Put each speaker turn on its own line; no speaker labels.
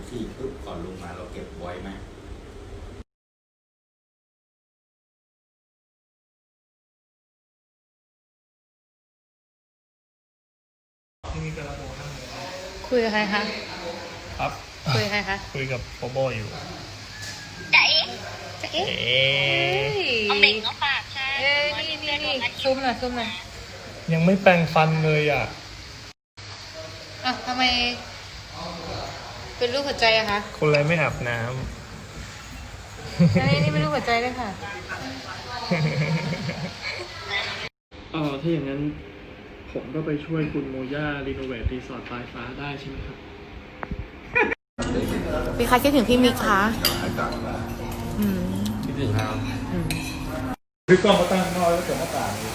ฉี่ปุ๊บก่อนลงมาเราเก็บไว้ไหม
ที่นี่กำลังโมนั่ง
คุยกับใครคะ
ครับ
คุยกับใครคะ
คุยกับโบโบอยู่
จ๋าเอ๋
จะเอ๊ะ
เอาเบ่งเอาปากใช่
นี่ซูมหน่อยซูมหน่อย
ยังไม่แปรงฟันเลยอ่ะ
อ่ะทำไม เป็นรูปหัวใจอะคะ
คนไรไม่อาบน้
อันนี้เป็นรูปหัวใจด้วยค่ะ
ำถ้าอย่างนั้น ผมก็ไปช่วยคุณโมย่ารีโนเวทรีสอร์ทปลายฟ้าได้ใช่ไหมครับ
มีใครคิดถึงพี่มิกคะอืม
คิดถึงครับ
คือกล้องเขาตั้งนอกแล้วเกิดหน้าต่างนี้